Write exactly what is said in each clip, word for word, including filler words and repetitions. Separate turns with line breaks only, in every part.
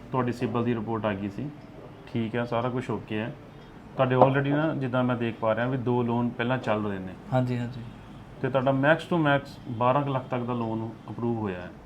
ਤੁਹਾਡੀ ਸਿਬਲ ਦੀ ਰਿਪੋਰਟ ਆ ਗਈ ਸੀ, ਠੀਕ ਹੈ, ਸਾਰਾ ਕੁਝ ਓਕੇ ਹੈ। ਤੁਹਾਡੇ ਆਲਰੇਡੀ ਨਾ ਜਿੱਦਾਂ ਮੈਂ ਦੇਖ ਪਾ ਰਿਹਾ ਵੀ ਦੋ ਲੋਨ ਪਹਿਲਾਂ ਚੱਲ ਰਹੇ ਨੇ।
ਹਾਂਜੀ ਹਾਂਜੀ।
ਤੇ ਤੁਹਾਡਾ ਮੈਕਸ ਟੂ ਮੈਕਸ ਬਾਰਾਂ ਕੁ ਲੱਖ ਤੱਕ ਦਾ ਲੋਨ ਅਪਰੂਵ ਹੋਇਆ ਹੈ।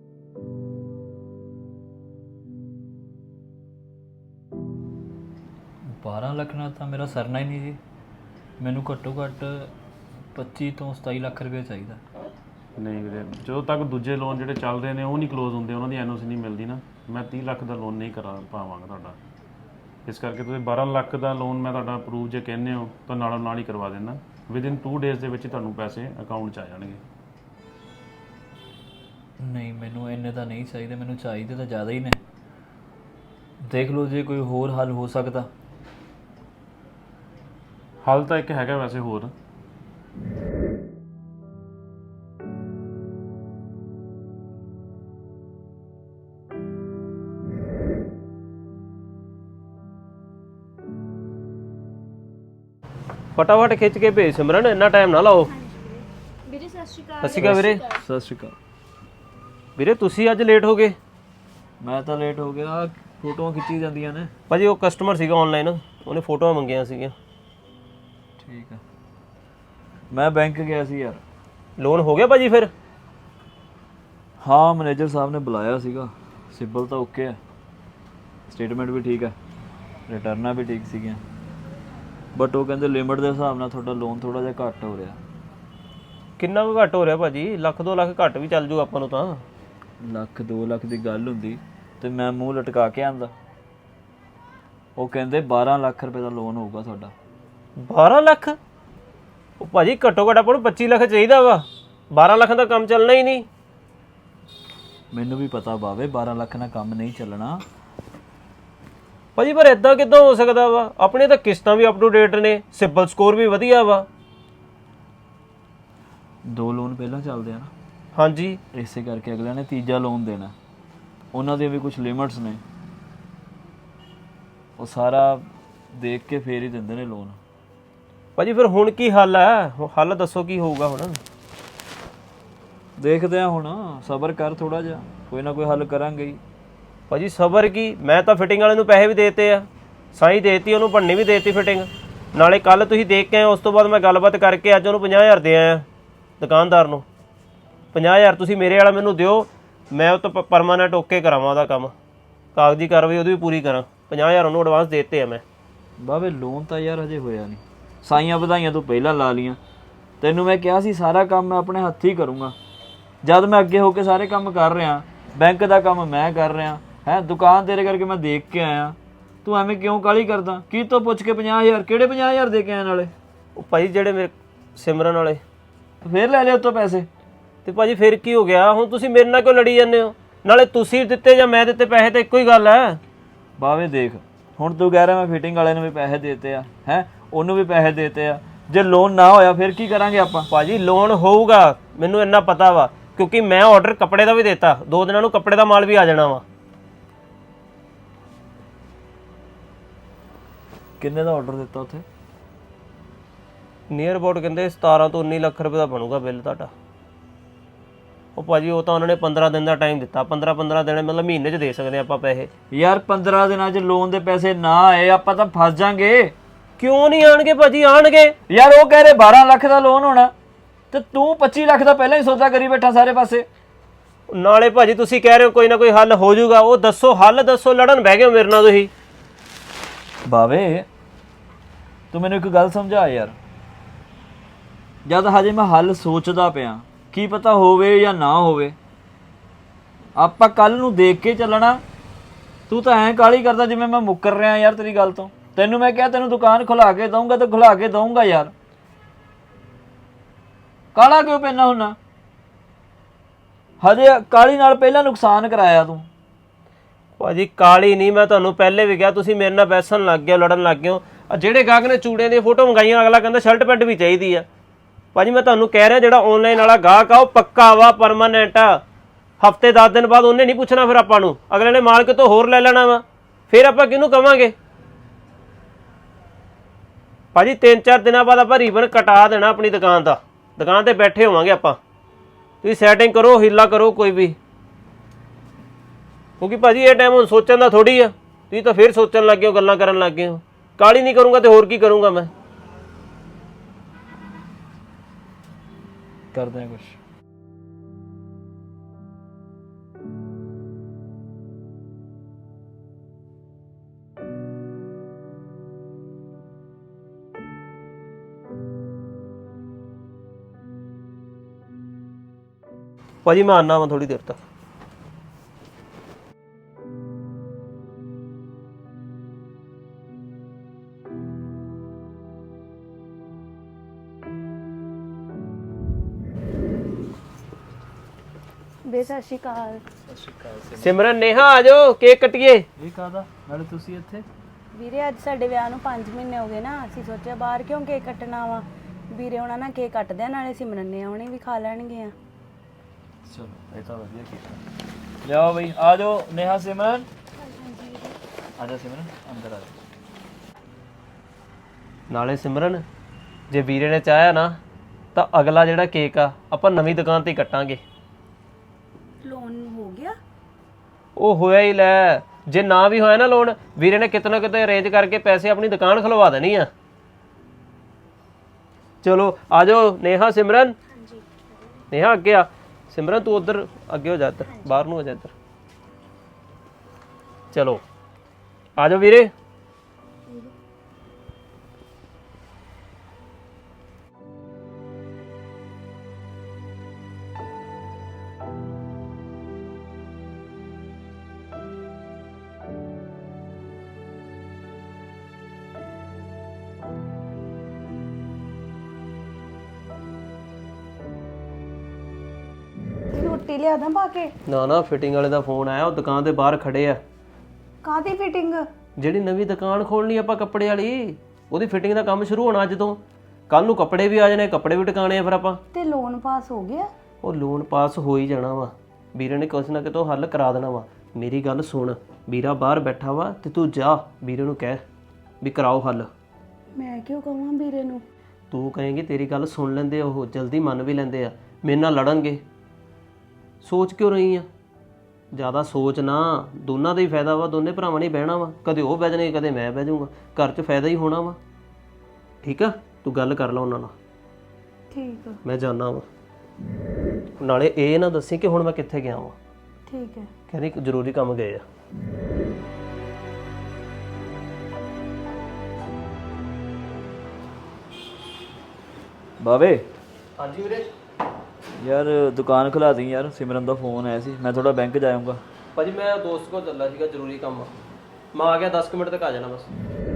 ਬਾਰਾਂ ਲੱਖ ਨਾਲ ਤਾਂ ਮੇਰਾ ਸਰਨਾ ਹੀ ਨਹੀਂ ਜੀ। ਮੈਨੂੰ ਘੱਟੋ ਘੱਟ ਪੱਚੀ ਤੋਂ ਸਤਾਈ ਲੱਖ ਰੁਪਏ ਚਾਹੀਦਾ।
ਨਹੀਂ ਵੀਰੇ, ਜਦੋਂ ਤੱਕ ਦੂਜੇ ਲੋਨ ਜਿਹੜੇ ਚੱਲ ਰਹੇ ਨੇ ਉਹ ਨਹੀਂ ਕਲੋਜ਼ ਹੁੰਦੇ, ਉਹਨਾਂ ਦੀ ਐਨ ਓ ਸੀ ਨਹੀਂ ਮਿਲਦੀ ਨਾ, ਮੈਂ ਤੀਹ ਲੱਖ ਦਾ ਲੋਨ ਨਹੀਂ ਕਰਾ ਪਾਵਾਂਗਾ ਤੁਹਾਡਾ। ਇਸ ਕਰਕੇ ਤੁਸੀਂ ਬਾਰਾਂ ਲੱਖ ਦਾ ਲੋਨ ਮੈਂ ਤੁਹਾਡਾ ਅਪਰੂਵ ਜੇ ਕਹਿੰਦੇ ਹੋ ਤਾਂ ਨਾਲੋਂ ਨਾਲ ਹੀ ਕਰਵਾ ਦੇਣਾ। ਵਿਦਿਨ ਟੂ ਡੇਜ਼ ਦੇ ਵਿੱਚ ਹੀ ਤੁਹਾਨੂੰ ਪੈਸੇ ਅਕਾਊਂਟ 'ਚ ਆ ਜਾਣਗੇ।
ਨਹੀਂ, ਮੈਨੂੰ ਇੰਨੇ ਤਾਂ ਨਹੀਂ ਚਾਹੀਦੇ, ਮੈਨੂੰ ਚਾਹੀਦੇ ਤਾਂ ਜ਼ਿਆਦਾ ਹੀ ਨੇ। ਦੇਖ ਲਓ ਜੇ ਕੋਈ ਹੋਰ ਹੱਲ ਹੋ ਸਕਦਾ।
ਹੱਲ ਤਾਂ ਇੱਕ ਹੈਗਾ ਵੈਸੇ ਹੋਰ।
ਫਟਾਫਟ ਖਿੱਚ ਕੇ ਭੇਜ ਸਿਮਰਨ, ਇੰਨਾ ਟਾਈਮ ਨਾ ਲਾਓ।
ਵੀਰੇ ਸਤਿ ਸ਼੍ਰੀ ਅਕਾਲ।
ਸਤਿ ਸ਼੍ਰੀ ਅਕਾਲ ਵੀਰੇ।
ਸਤਿ ਸ਼੍ਰੀ ਅਕਾਲ
ਵੀਰੇ ਤੁਸੀਂ ਅੱਜ ਲੇਟ ਹੋ ਗਏ।
ਮੈਂ ਤਾਂ ਲੇਟ ਹੋ ਗਿਆ, ਫੋਟੋਆਂ ਖਿੱਚੀ ਜਾਂਦੀਆਂ ਨੇ।
ਭਾਜੀ ਉਹ ਕਸਟਮਰ ਸੀਗਾ ਆਨਲਾਈਨ, ਉਹਨੇ ਫੋਟੋਆਂ ਮੰਗੀਆਂ ਸੀਗੀਆਂ।
ਠੀਕ ਆ, ਮੈਂ ਬੈਂਕ ਗਿਆ ਸੀ ਯਾਰ।
ਲੋਨ ਹੋ ਗਿਆ ਭਾਜੀ ਫਿਰ?
ਹਾਂ, ਮੈਨੇਜਰ ਸਾਹਿਬ ਨੇ ਬੁਲਾਇਆ ਸੀਗਾ। ਸਿਬਲ ਤਾਂ ਓਕੇ ਹੈ, ਸਟੇਟਮੈਂਟ ਵੀ ਠੀਕ ਹੈ, ਰਿਟਰਨਾਂ ਵੀ ਠੀਕ ਸੀਗੀਆਂ, ਬਟ ਉਹ ਕਹਿੰਦੇ ਲਿਮਿਟ ਦੇ ਹਿਸਾਬ ਨਾਲ ਤੁਹਾਡਾ ਲੋਨ ਥੋੜਾ ਜਿਹਾ ਘੱਟ ਹੋ ਰਿਹਾ।
ਕਿੰਨਾ ਕੁ ਘੱਟ ਹੋ ਰਿਹਾ ਭਾਜੀ? ਲੱਖ ਦੋ ਲੱਖ ਘੱਟ ਵੀ ਚੱਲ ਜੂ ਆਪਾਂ ਨੂੰ ਤਾਂ।
ਲੱਖ ਦੋ ਲੱਖ ਦੀ ਗੱਲ ਹੁੰਦੀ ਤੇ ਮੈਂ ਮੂੰਹ ਲਟਕਾ ਕੇ ਆਂਦਾ। ਉਹ ਕਹਿੰਦੇ ਬਾਰਾਂ ਲੱਖ ਰੁਪਏ ਦਾ ਲੋਨ ਹੋਊਗਾ ਤੁਹਾਡਾ।
ਬਾਰਾਂ ਲੱਖ? ਉਹ ਭਾਜੀ ਘੱਟੋ ਘੱਟ ਆਪਾਂ ਨੂੰ ਪੱਚੀ ਲੱਖ ਚਾਹੀਦਾ ਵਾ, ਬਾਰਾਂ ਲੱਖ ਦਾ ਕੰਮ ਚੱਲਣਾ ਹੀ ਨਹੀਂ।
ਮੈਨੂੰ ਵੀ ਪਤਾ ਬਾਵੇ ਬਾਰਾਂ ਲੱਖ ਨਾਲ ਕੰਮ ਨਹੀਂ ਚੱਲਣਾ
ਭਾਜੀ, ਪਰ ਇਦਾਂ ਕਿੱਦਾਂ ਹੋ ਸਕਦਾ ਵਾ? ਆਪਣੇ ਤਾਂ ਕਿਸ਼ਤਾਂ ਵੀ ਅਪ ਟੂ ਡੇਟ ਨੇ, ਸਿਬਲ ਸਕੋਰ ਵੀ ਵਧੀਆ ਵਾ।
ਦੋ ਲੋਨ ਪਹਿਲਾਂ ਚੱਲਦੇ ਆ ਨਾ,
ਹਾਂਜੀ,
ਇਸੇ ਕਰਕੇ ਅਗਲਿਆਂ ਨੇ ਤੀਜਾ ਲੋਨ ਦੇਣਾ। ਉਹਨਾਂ ਦੀਆਂ ਵੀ ਕੁਝ ਲਿਮਿਟਸ ਨੇ, ਉਹ ਸਾਰਾ ਦੇਖ ਕੇ ਫੇਰ ਹੀ ਦਿੰਦੇ ਨੇ ਲੋਨ।
ਭਾਜੀ ਫਿਰ ਹੁਣ ਕੀ ਹੱਲ ਹੈ? ਹੱਲ ਦੱਸੋ ਕੀ ਹੋਊਗਾ ਹੁਣ?
ਦੇਖਦੇ ਆ ਹੁਣ, ਸਬਰ ਕਰ ਥੋੜਾ ਜਿਹਾ, ਕੋਈ ਨਾ ਕੋਈ ਹੱਲ ਕਰਾਂਗੇ ਹੀ।
ਭਾਜੀ ਸਬਰ ਕੀ, ਮੈਂ ਤਾਂ ਫਿਟਿੰਗ ਵਾਲੇ ਨੂੰ ਪੈਸੇ ਵੀ ਦੇਤੇ ਆ, ਸਾਈ ਦੇਤੀ, ਉਹਨੂੰ ਭੰਨੀ ਵੀ ਦੇਤੀ ਫਿਟਿੰਗ। ਨਾਲੇ ਕੱਲ ਤੁਸੀਂ ਦੇਖ ਕੇ ਆਏ, ਉਸ ਤੋਂ ਬਾਅਦ ਮੈਂ ਗੱਲਬਾਤ ਕਰਕੇ ਅੱਜ ਉਹਨੂੰ ਪੰਜਾਹ ਹਜ਼ਾਰ ਦੇ ਆਇਆ ਦੁਕਾਨਦਾਰ ਨੂੰ। ਪੰਜਾਹ ਹਜ਼ਾਰ ਤੁਸੀਂ ਮੇਰੇ ਵਾਲਾ ਮੈਨੂੰ ਦਿਓ, ਮੈਂ ਉਹ ਤੋਂ ਪਰਮਾਨੈਂਟ ਓਕੇ ਕਰਾਵਾਂ ਉਹਦਾ ਕੰਮ, ਕਾਗਜ਼ੀ ਕਾਰਵਾਈ ਉਹਦੀ ਵੀ ਪੂਰੀ ਕਰਾਂ। ਪੰਜਾਹ ਹਜ਼ਾਰ ਉਹਨੂੰ ਐਡਵਾਂਸ ਦੇਤੇ ਆ ਮੈਂ।
ਬਾਵੇ ਲੋਨ ਤਾਂ ਯਾਰ ਹਜੇ ਹੋਇਆ ਨਹੀਂ, ਸਾਈਆਂ ਵਧਾਈਆਂ ਤੂੰ ਪਹਿਲਾਂ ਲਾ ਲੀਆਂ। ਤੈਨੂੰ ਮੈਂ ਕਿਹਾ ਸੀ ਸਾਰਾ ਕੰਮ ਮੈਂ ਆਪਣੇ ਹੱਥੀਂ ਕਰੂੰਗਾ, ਜਦ ਮੈਂ ਅੱਗੇ ਹੋ ਕੇ ਸਾਰੇ ਕੰਮ ਕਰ ਰਿਹਾ, ਬੈਂਕ ਦਾ ਕੰਮ ਮੈਂ ਕਰ ਰਿਹਾ ਹੈ, ਦੁਕਾਨ ਤੇਰੇ ਕਰਕੇ ਮੈਂ ਦੇਖ ਕੇ ਆਇਆ। ਤੂੰ ਐਵੇਂ ਕਿਉਂ ਕਾਹਲੀ ਕਰਦਾ? ਕੀ ਤੋਂ ਪੁੱਛ ਕੇ ਪੰਜਾਹ ਹਜ਼ਾਰ? ਕਿਹੜੇ ਪੰਜਾਹ ਹਜ਼ਾਰ ਦੇ ਕੇ ਆਏ ਨਾਲੇ?
ਉਹ ਭਾਜੀ ਜਿਹੜੇ ਮੇਰੇ ਸਿਮਰਨ ਵਾਲੇ।
ਫੇਰ ਲੈ ਲਿਆ ਉੱਤੋਂ ਪੈਸੇ?
ਤੇ ਭਾਜੀ ਫਿਰ ਕੀ ਹੋ ਗਿਆ? ਹੁਣ ਤੁਸੀਂ ਮੇਰੇ ਨਾਲ ਕਿਉਂ ਲੜੀ ਜਾਂਦੇ ਹੋ? ਨਾਲੇ ਤੁਸੀਂ ਦਿੱਤੇ ਜਾਂ ਮੈਂ ਦਿੱਤੇ ਪੈਸੇ ਤਾਂ ਇੱਕੋ ਹੀ ਗੱਲ ਹੈ।
ਬਾਵੇ ਦੇਖ, ਹੁਣ ਤੂੰ ਕਹਿ ਰਿਹਾ ਮੈਂ ਫਿਟਿੰਗ ਵਾਲੇ ਨੂੰ ਵੀ ਪੈਸੇ ਦੇਤੇ ਆ, ਹੈ ਉਹਨੂੰ ਵੀ ਪੈਸੇ ਦੇਤੇ ਆ, ਜੇ ਲੋਨ ਨਾ ਹੋਇਆ ਫਿਰ ਕੀ ਕਰਾਂਗੇ ਆਪਾਂ?
ਭਾਜੀ ਲੋਨ ਹੋਊਗਾ, ਮੈਨੂੰ ਇੰਨਾ ਪਤਾ ਵਾ, ਕਿਉਂਕਿ ਮੈਂ ਆਰਡਰ ਕੱਪੜੇ ਦਾ ਵੀ ਦਿੱਤਾ, ਦੋ ਦਿਨਾਂ ਨੂੰ ਕੱਪੜੇ ਦਾ ਮਾਲ ਵੀ ਆ ਜਾਣਾ ਵਾ।
ਕਿੰਨੇ ਦਾ ਆਰਡਰ ਦਿੱਤਾ ਉੱਥੇ?
ਨੀਅਰ ਅਬਾਊਟ ਕਹਿੰਦੇ ਸਤਾਰਾਂ ਤੋਂ ਉੱਨੀ ਲੱਖ ਰੁਪਏ ਦਾ ਬਣੂਗਾ ਬਿੱਲ ਤੁਹਾਡਾ। ਉਹ ਭਾਜੀ ਉਹ ਤਾਂ ਉਹਨਾਂ ਨੇ ਪੰਦਰਾਂ ਦਿਨ ਦਾ ਟਾਈਮ ਦਿੱਤਾ, ਪੰਦਰਾਂ ਪੰਦਰਾਂ ਦਿਨ ਮਤਲਬ ਮਹੀਨੇ 'ਚ ਦੇ ਸਕਦੇ ਆਪਾਂ ਪੈਸੇ।
ਯਾਰ ਪੰਦਰਾਂ ਦਿਨਾਂ 'ਚ ਲੋਨ ਦੇ ਪੈਸੇ ਨਾ ਆਏ ਆਪਾਂ ਤਾਂ ਫਸ ਜਾਾਂਗੇ।
ਕਿਉਂ ਨਹੀਂ ਆਣਗੇ ਭਾਜੀ? ਆਣਗੇ
ਯਾਰ। ਉਹ ਕਹਿ ਰਹੇ ਬਾਰਾਂ ਲੱਖ ਦਾ ਲੋਨ ਹੋਣਾ ਤੇ ਤੂੰ ਪੱਚੀ ਲੱਖ ਦਾ ਪਹਿਲਾਂ ਹੀ ਸੌਦਾ ਕਰੀ ਬੈਠਾ ਸਾਰੇ ਪਾਸੇ।
ਨਾਲੇ ਭਾਜੀ ਤੁਸੀਂ ਕਹਿ ਰਹੇ ਹੋ ਕੋਈ ਨਾ ਕੋਈ ਹੱਲ ਹੋ ਜਾਊਗਾ, ਉਹ ਦੱਸੋ ਹੱਲ ਦੱਸੋ, ਲੜਨ ਬਹਿ ਗਏ ਮੇਰੇ ਨਾਲ ਤੁਸੀਂ।
ਬਾਵੇ ਤੂੰ ਮੈਨੂੰ ਇੱਕ ਗੱਲ ਸਮਝਾ ਯਾਰ, ਜਦ ਹਜੇ ਮੈਂ ਹੱਲ ਸੋਚਦਾ ਪਿਆ, ਕੀ ਪਤਾ ਹੋਵੇ ਜਾਂ ਨਾ ਹੋਵੇ, ਆਪਾਂ ਕੱਲ ਨੂੰ ਦੇਖ ਕੇ ਚੱਲਣਾ। ਤੂੰ ਤਾਂ ਐਂ ਕਾਹਲੀ ਕਰਦਾ ਜਿਵੇਂ ਮੈਂ ਮੁੱਕਰ ਰਿਹਾ ਯਾਰ ਤੇਰੀ ਗੱਲ ਤੋਂ। ਤੈਨੂੰ ਮੈਂ ਕਿਹਾ ਤੈਨੂੰ ਦੁਕਾਨ ਖੁਲਾ ਕੇ ਦਊਂਗਾ ਤੇ ਖੁਲਾ ਕੇ ਦਊਂਗਾ ਯਾਰ, ਕਾਹਲਾ ਕਿਉਂ ਪੈਣਾ ਹੁੰਨਾ? ਹਜੇ ਕਾਹਲੀ ਨਾਲ ਪਹਿਲਾਂ ਨੁਕਸਾਨ ਕਰਾਇਆ ਤੂੰ।
ਭਾਜੀ ਕਾਲੀ ਨਹੀਂ, ਮੈਂ ਤੁਹਾਨੂੰ ਪਹਿਲੇ ਵੀ ਕਿਹਾ, ਤੁਸੀਂ ਮੇਰੇ ਨਾਲ ਬੈਸਣ ਲੱਗ ਗਏ, ਲੜਨ ਲੱਗ ਗਏ ਹੋ। ਜਿਹੜੇ ਗਾਹਕ ਨੇ ਚੂੜਿਆਂ ਦੀਆਂ ਫੋਟੋ ਮੰਗਾਈਆਂ, ਅਗਲਾ ਕਹਿੰਦਾ ਸ਼ਰਟ ਪੈਂਟ ਵੀ ਚਾਹੀਦੀ ਆ। ਭਾਜੀ ਮੈਂ ਤੁਹਾਨੂੰ ਕਹਿ ਰਿਹਾ, ਜਿਹੜਾ ਆਨਲਾਈਨ ਵਾਲਾ ਗਾਹਕ ਆ ਉਹ ਪੱਕਾ ਵਾ, ਪਰਮਾਨੈਂਟ ਆ। ਹਫਤੇ ਦਸ ਦਿਨ ਬਾਅਦ ਉਹਨੇ ਨਹੀਂ ਪੁੱਛਣਾ ਫਿਰ ਆਪਾਂ ਨੂੰ, ਅਗਲੇ ਨੇ ਮਾਲ ਕਿਤੋਂ ਹੋਰ ਲੈ ਲੈਣਾ ਵਾ, ਫਿਰ ਆਪਾਂ ਕਿਹਨੂੰ ਕਵਾਂਗੇ? ਭਾਜੀ ਤਿੰਨ ਚਾਰ ਦਿਨਾਂ ਬਾਅਦ ਆਪਾਂ ਰੀਬਨ ਕਟਾ ਦੇਣਾ ਆਪਣੀ ਦੁਕਾਨ ਦਾ, ਦੁਕਾਨ ਤੇ ਬੈਠੇ ਹੋਵਾਂਗੇ ਆਪਾਂ। ਤੁਸੀਂ ਸੈਟਿੰਗ ਕਰੋ, ਹੀਲਾ ਕਰੋ ਕੋਈ ਵੀ। ਕਿਉਂਕਿ ਭਾਜੀ ਇਹ ਟਾਈਮ ਹੁਣ ਸੋਚਣ ਦਾ ਥੋੜੀ ਆ, ਤੁਸੀਂ ਤਾਂ ਫਿਰ ਸੋਚਣ ਲੱਗ ਗਏ ਹੋ, ਗੱਲਾਂ ਕਰਨ ਲੱਗ ਗਏ ਹੋ। ਕਾਲੀ ਨਹੀਂ ਕਰੂੰਗਾ ਤੇ ਹੋਰ ਕੀ ਕਰੂੰਗਾ ਮੈਂ।
ਕਰਦੇ ਆ ਕੁਛ।
ਭਾਜੀ ਮੈਂ ਆਨਾ ਵਾ ਥੋੜੀ ਦੇਰ ਤੱਕ।
ਬੇ ਸਤਿ ਸ਼੍ਰੀ ਅਕਾਲ।
ਸਿਮਰਨ ਨੇਹਾ ਆ ਜਾਓ, ਕੇਕ ਕੱਟੀਏ।
ਇਹ ਕਾਹਦਾ ਨਾਲੇ ਤੁਸੀਂ ਇੱਥੇ?
ਵੀਰੇ ਅੱਜ ਸਾਡੇ ਵਿਆਹ ਨੂੰ ਪੰਜ ਮਹੀਨੇ ਹੋ ਗਏ ਨਾ, ਅਸੀਂ ਸੋਚਿਆ ਬਾਹਰ ਕਿਉਂ ਕੇਕ ਕੱਟਣਾ ਵਾ। ਵੀਰੇ ਉਹਨਾਂ ਨਾਲ ਕੇਕ ਕੱਟਦੇ ਆ, ਨਾਲੇ ਸਿਮਰਨ ਨੇ ਆਉਣੇ ਵੀ ਖਾ ਲੈਣਗੇ ਆ।
ਚਲੋ ਇਹ ਤਾਂ ਵਧੀਆ ਕੀਤਾ। ਲਿਆਓ ਬਈ, ਆ ਜਾਓ ਨੇਹਾ ਸਿਮਰਨ। ਆ ਜਾ ਸਿਮਰਨ, ਅੰਦਰ ਆ ਜਾ।
ਨਾਲੇ ਸਿਮਰਨ ਜੇ ਵੀਰੇ ਨੇ ਚਾਹਿਆ ਨਾ ਤਾਂ ਅਗਲਾ ਜਿਹੜਾ ਕੇਕ ਆ ਆਪਾਂ ਨਵੀਂ ਦੁਕਾਨ ਤੇ ਹੀ ਕੱਟਾਂਗੇ।
ਲੋਨ ਹੋ ਗਿਆ?
ਉਹ ਹੋਇਆ ਹੀ ਲੈ, ਜੇ ਨਾ ਵੀ ਹੋਇਆ ਨਾ ਲੋਨ, ਵੀਰੇ ਨੇ ਕਿਤੇ ਨਾ ਕਿਤੇ ਅਰੇਂਜ ਕਰਕੇ ਪੈਸੇ ਆਪਣੀ ਦੁਕਾਨ ਖਲਵਾ ਦੇਣੀ ਆ। ਚਲੋ ਆ ਜਾਓ ਨੇਹਾ ਸਿਮਰਨ। ਨੇਹਾ ਅੱਗੇ ਆ, ਸਿਮਰਨ ਤੂੰ ਉਧਰ ਅੱਗੇ ਹੋ ਜਾ, ਇੱਧਰ ਬਾਹਰ ਨੂੰ ਹੋ ਜਾ ਇੱਧਰ। ਚਲੋ ਆ ਜਾਓ ਵੀਰੇ।
ਰੋਟੀ ਲਿਆ ਦਾਂ ਪਾ ਕੇ?
ਨਾ ਨਾ, ਫਿਟਿੰਗ ਵਾਲੇ ਦਾ ਫੋਨ ਆਇਆ, ਉਹ ਦੁਕਾਨ ਦੇ ਬਾਹਰ ਖੜੇ ਆ।
ਕਾਹਦੀ ਫਿਟਿੰਗ?
ਜਿਹੜੀ ਨਵੀਂ ਦੁਕਾਨ ਖੋਲਣੀ ਆਪਾਂ ਕੱਪੜੇ ਵਾਲੀ, ਉਹਦੀ ਫਿਟਿੰਗ ਦਾ ਕੰਮ ਸ਼ੁਰੂ ਹੋਣਾ ਅੱਜ ਤੋਂ। ਕੱਲ ਨੂੰ ਕੱਪੜੇ ਵੀ ਆ ਜਾਣੇ, ਕੱਪੜੇ ਵੀ ਟਿਕਾਣੇ ਆ ਫਿਰ ਆਪਾਂ।
ਤੇ ਲੋਨ ਪਾਸ ਹੋ ਗਿਆ?
ਉਹ ਲੋਨ ਪਾਸ ਹੋ ਹੀ ਜਾਣਾ ਵਾ, ਵੀਰੇ ਨੇ ਕੁਛ ਨਾ ਕਿਤੋਂ ਹੱਲ ਕਰਾ ਦੇਣਾ ਵਾ। ਮੇਰੀ ਗੱਲ ਸੁਣ, ਵੀਰਾ ਬਾਹਰ ਬੈਠਾ ਵਾ ਤੇ ਤੂੰ ਜਾ ਵੀਰੇ ਨੂੰ ਕਹਿ ਵੀ ਕਰਾਓ ਹੱਲ।
ਮੈਂ ਕਿਉਂ ਕਹਾਂ ਵੀਰੇ ਨੂੰ?
ਤੂੰ ਕਹੇਂਗੀ, ਤੇਰੀ ਗੱਲ ਸੁਣ ਲੈਂਦੇ, ਉਹ ਜਲਦੀ ਮੰਨ ਵੀ ਲੈਂਦੇ ਆ। ਮੇਰੇ ਨਾਲ ਲੜਨਗੇ, ਸੋਚ ਕਿਉਂ ਰਹੀ ਆ? ਜ਼ਿਆਦਾ ਸੋਚ ਨਾ, ਦੋਨਾਂ ਦਾ ਹੀ ਫਾਇਦਾ ਵਾ, ਦੋਨੇ ਭਰਾਵਾਂ ਨੇ ਬਹਿਣਾ ਵਾ, ਕਦੇ ਉਹ ਬਹਿ ਜਾਣਗੇ ਕਦੇ ਮੈਂ ਬਹਿ ਜਾਊਂਗਾ, ਘਰ 'ਚ ਫਾਇਦਾ ਹੀ ਹੋਣਾ ਵਾ। ਠੀਕ ਆ, ਤੂੰ ਗੱਲ ਕਰ ਲਾ ਉਹਨਾਂ ਨਾਲ।
ਠੀਕ ਆ।
ਮੈਂ ਜਾਣਾ ਵਾ, ਨਾਲੇ ਇਹ ਨਾ ਦੱਸੀ ਕਿ ਹੁਣ ਮੈਂ ਕਿੱਥੇ ਗਿਆ ਵਾਂ।
ਠੀਕ ਹੈ।
ਕਹਿੰਦੀ ਇੱਕ ਜ਼ਰੂਰੀ ਕੰਮ ਗਏ ਆ।
ਬਾਵੇ
ਹਾਂਜੀ ਵੀਰੇ।
ਯਾਰ ਦੁਕਾਨ ਖੁਲਾ ਦੀ ਯਾਰ, ਸਿਮਰਨ ਦਾ ਫੋਨ ਆਇਆ ਸੀ, ਮੈਂ ਥੋੜਾ ਬੈਂਕ ਜਾਊਂਗਾ।
ਭਾਜੀ ਮੈਂ ਦੋਸਤ ਕੋਲ ਚੱਲਾ ਸੀਗਾ, ਜ਼ਰੂਰੀ ਕੰਮ ਆ। ਮੈਂ ਆ ਗਿਆ, ਦਸ ਕੁ ਮਿੰਟ ਤੱਕ ਆ ਜਾਣਾ ਬਸ।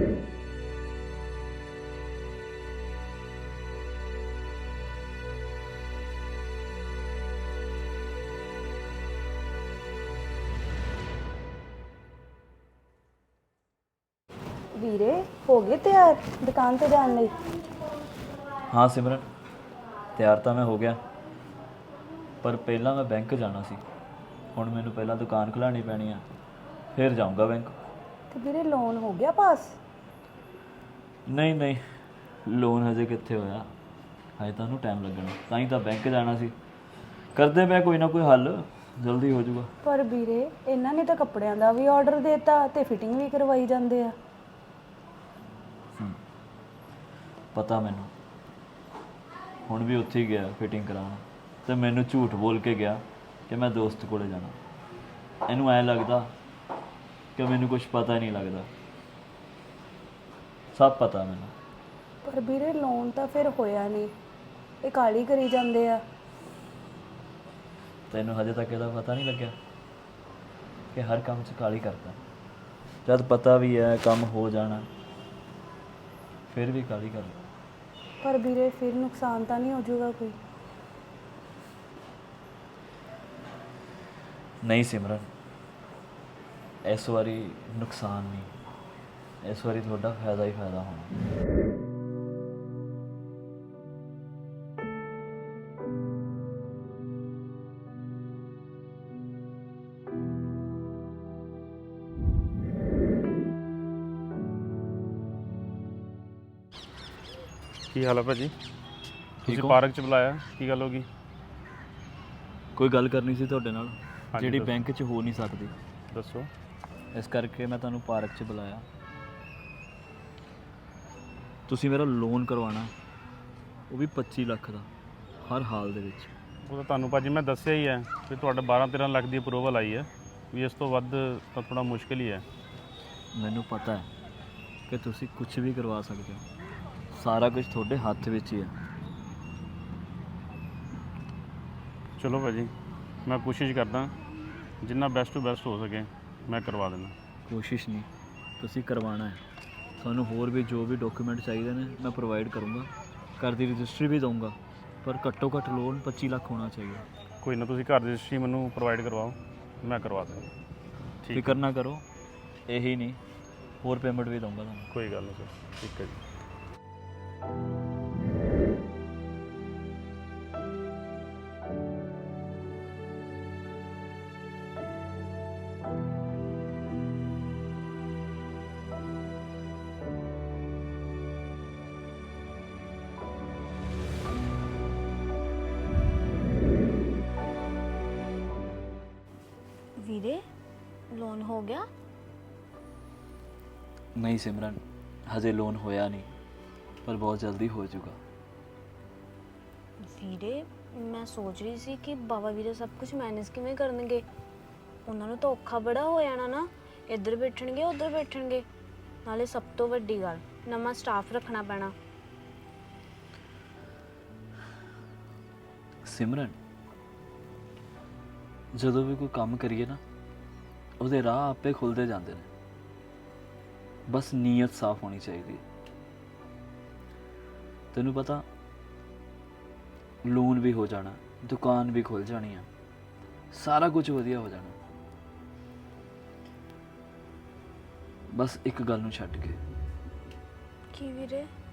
ਵੀਰੇ ਹੋ ਗਏ ਤਿਆਰ ਦੁਕਾਨ ਤੇ ਜਾਣ ਲਈ?
ਹਾਂ ਸਿਮਰਨ, ਤਿਆਰ ਤਾਂ ਮੈਂ ਹੋ ਗਿਆ, ਪਰ ਪਹਿਲਾਂ ਮੈਂ ਬੈਂਕ ਜਾਣਾ ਸੀ। ਹੁਣ ਮੈਨੂੰ ਪਹਿਲਾਂ ਦੁਕਾਨ ਖੁਲਾਉਣੀ ਪੈਣੀ ਆ, ਫਿਰ ਜਾਊਂਗਾ ਬੈਂਕ।
ਤੇ ਵੀਰੇ ਲੋਨ ਹੋ ਗਿਆ ਪਾਸ?
ਨਹੀਂ ਨਹੀਂ, ਲੋਨ ਹਜੇ ਕਿੱਥੇ ਹੋਇਆ, ਹਜੇ ਤਾਂ ਉਹਨੂੰ ਟਾਈਮ ਲੱਗਣਾ, ਤਾਂ ਹੀ ਤਾਂ ਬੈਂਕ ਜਾਣਾ ਸੀ। ਕਰਦੇ ਮੈਂ ਕੋਈ ਨਾ ਕੋਈ ਹੱਲ, ਜਲਦੀ ਹੋ ਜਾਊਗਾ।
ਪਰ ਵੀਰੇ ਇਹਨਾਂ ਨੇ ਤਾਂ ਕੱਪੜਿਆਂ ਦਾ ਵੀ ਆਰਡਰ ਦਿੱਤਾ ਤੇ ਫਿਟਿੰਗ ਵੀ ਕਰਵਾਈ ਜਾਂਦੇ ਆ।
ਪਤਾ ਮੈਨੂੰ, ਹੁਣ ਵੀ ਉੱਥੇ ਹੀ ਗਿਆ ਫਿਟਿੰਗ ਕਰਾਉਣ, ਤੇ ਮੈਨੂੰ ਝੂਠ ਬੋਲ ਕੇ ਗਿਆ ਕਿ ਮੈਂ ਦੋਸਤ ਕੋਲੇ ਜਾਣਾ। ਇਹਨੂੰ ਐਂ ਲੱਗਦਾ ਕਿ ਮੈਨੂੰ ਕੁਝ ਪਤਾ ਹੀ ਨਹੀਂ ਲੱਗਦਾ, ਸਭ ਪਤਾ ਮੈਨੂੰ।
ਪਰ ਵੀਰੇ ਲੋਨ ਤਾਂ ਫਿਰ ਹੋਇਆ ਨਹੀਂ, ਇਹ ਕਾਲੀ ਕਰੀ ਜਾਂਦੇ ਆ।
ਤੈਨੂੰ ਹਜੇ ਤੱਕ ਇਹਦਾ ਪਤਾ ਨਹੀਂ ਲੱਗਿਆ ਕਿ ਹਰ ਕੰਮ 'ਚ ਕਾਲੀ ਕਰਦਾ? ਜਦ ਪਤਾ ਵੀ ਹੈ ਕੰਮ ਹੋ ਜਾਣਾ, ਫਿਰ ਵੀ ਕਾਲੀ ਕਰ।
ਪਰ ਵੀਰੇ ਫਿਰ ਨੁਕਸਾਨ ਤਾਂ ਨਹੀਂ ਹੋ ਜਾਊਗਾ ਕੋਈ?
ਨਹੀਂ ਸਿਮਰਨ, ਇਸ ਵਾਰੀ ਨੁਕਸਾਨ ਨਹੀਂ, ਇਸ ਵਾਰੀ ਤੁਹਾਡਾ ਫਾਇਦਾ ਹੀ ਫਾਇਦਾ ਹੋਣਾ।
ਕੀ ਹਾਲ ਹੈ ਭਾਜੀ? ਤੁਸੀਂ ਪਾਰਕ 'ਚ ਬੁਲਾਇਆ, ਕੀ ਗੱਲ ਹੋ ਗਈ?
ਕੋਈ ਗੱਲ ਕਰਨੀ ਸੀ ਤੁਹਾਡੇ ਨਾਲ,
ਹਾਂਜੀ
ਜਿਹੜੀ
ਦੱਸੋ।
ਬੈਂਕ 'ਚ ਹੋ ਨਹੀਂ ਸਕਦੀ।
ਦੱਸੋ।
ਇਸ ਕਰਕੇ ਮੈਂ ਤੁਹਾਨੂੰ ਪਾਰਕ 'ਚ ਬੁਲਾਇਆ। ਤੁਸੀਂ ਮੇਰਾ ਲੋਨ ਕਰਵਾਉਣਾ, ਉਹ ਵੀ ਪੱਚੀ ਲੱਖ ਦਾ, ਹਰ ਹਾਲ ਦੇ ਵਿੱਚ।
ਉਹ ਤਾਂ ਤੁਹਾਨੂੰ ਭਾਜੀ ਮੈਂ ਦੱਸਿਆ ਹੀ ਹੈ ਵੀ ਤੁਹਾਡਾ ਬਾਰਾਂ ਤੇਰਾਂ ਲੱਖ ਦੀ ਅਪਰੂਵਲ ਆਈ ਹੈ, ਵੀ ਇਸ ਤੋਂ ਵੱਧ ਤਾਂ ਥੋੜ੍ਹਾ ਮੁਸ਼ਕਿਲ ਹੀ ਹੈ।
ਮੈਨੂੰ ਪਤਾ ਹੈ ਕਿ ਤੁਸੀਂ ਕੁਝ ਵੀ ਕਰਵਾ ਸਕਦੇ ਹੋ, ਸਾਰਾ ਕੁਝ ਤੁਹਾਡੇ ਹੱਥ ਵਿੱਚ ਹੀ ਹੈ।
ਚਲੋ ਭਾਜੀ, ਮੈਂ ਕੋਸ਼ਿਸ਼ ਕਰਦਾ ਜਿੰਨਾ ਬੈਸਟ ਟੂ ਬੈਸਟ ਹੋ ਸਕੇ ਮੈਂ ਕਰਵਾ ਦੇਣਾ।
ਕੋਸ਼ਿਸ਼ ਨਹੀਂ, ਤੁਸੀਂ ਕਰਵਾਉਣਾ ਹੈ। ਤੁਹਾਨੂੰ ਹੋਰ ਵੀ ਜੋ ਵੀ ਡਾਕੂਮੈਂਟ ਚਾਹੀਦੇ ਨੇ ਮੈਂ ਪ੍ਰੋਵਾਈਡ ਕਰੂੰਗਾ, ਘਰ ਦੀ ਰਜਿਸਟਰੀ ਵੀ ਦਊਂਗਾ, ਪਰ ਘੱਟੋ ਘੱਟ ਲੋਨ ਪੱਚੀ ਲੱਖ ਹੋਣਾ ਚਾਹੀਦਾ।
ਕੋਈ ਨਾ, ਤੁਸੀਂ ਘਰ ਦੀ ਰਜਿਸਟਰੀ ਮੈਨੂੰ ਪ੍ਰੋਵਾਈਡ ਕਰਵਾਓ, ਮੈਂ ਕਰਵਾ ਦੇਣਾ। ਠੀਕ,
ਫਿਕਰ ਨਾ ਕਰੋ, ਇਹੀ ਨਹੀਂ ਹੋਰ ਪੇਮੈਂਟ ਵੀ ਦਊਂਗਾ ਤੁਹਾਨੂੰ।
ਕੋਈ ਗੱਲ ਨਹੀਂ ਸਰ, ਠੀਕ ਹੈ ਜੀ।
ਵੀਰੇ ਲੋਨ ਹੋ ਗਿਆ?
ਨਹੀਂ ਸਿਮਰਨ, ਹਜੇ ਲੋਨ ਹੋਇਆ ਨਹੀਂ, ਪਰ ਬਹੁਤ ਜਲਦੀ ਹੋ ਜਾਊਗਾ।
ਵੀਰੇ ਮੈਂ ਸੋਚ ਰਹੀ ਸੀ ਕਿ ਬਾਬਾ ਵੀਰੇ ਸਭ ਕੁਝ ਮੈਨੇਜ ਕਿਵੇਂ ਕਰਨਗੇ। ਉਹਨਾਂ ਨੂੰ ਤਾਂ ਔਖਾ ਬੜਾ ਹੋ ਜਾਣਾ ਨਾ, ਇੱਧਰ ਬੈਠਣਗੇ ਉੱਧਰ ਬੈਠਣਗੇ, ਨਾਲੇ ਸਭ ਤੋਂ ਵੱਡੀ ਗੱਲ ਨਵਾਂ ਸਟਾਫ ਰੱਖਣਾ ਪੈਣਾ।
ਸਿਮਰਨ, ਜਦੋਂ ਵੀ ਕੋਈ ਕੰਮ ਕਰੀਏ ਨਾ, ਉਹਦੇ ਰਾਹ ਆਪੇ ਖੁੱਲਦੇ ਜਾਂਦੇ ਨੇ, ਬਸ ਨੀਅਤ ਸਾਫ਼ ਹੋਣੀ ਚਾਹੀਦੀ ਹੈ। ਤੈਨੂੰ ਪਤਾ, ਲੋਨ ਵੀ ਹੋ ਜਾਣਾ, ਦੁਕਾਨ ਵੀ ਖੁੱਲ ਜਾਣੀ ਆ, ਸਾਰਾ ਕੁਝ ਵਧੀਆ ਹੋ ਜਾਣਾ, ਬਸ ਇੱਕ ਗੱਲ ਨੂੰ ਛੱਡ ਕੇ।
ਕੀ ਵੀਰੇ?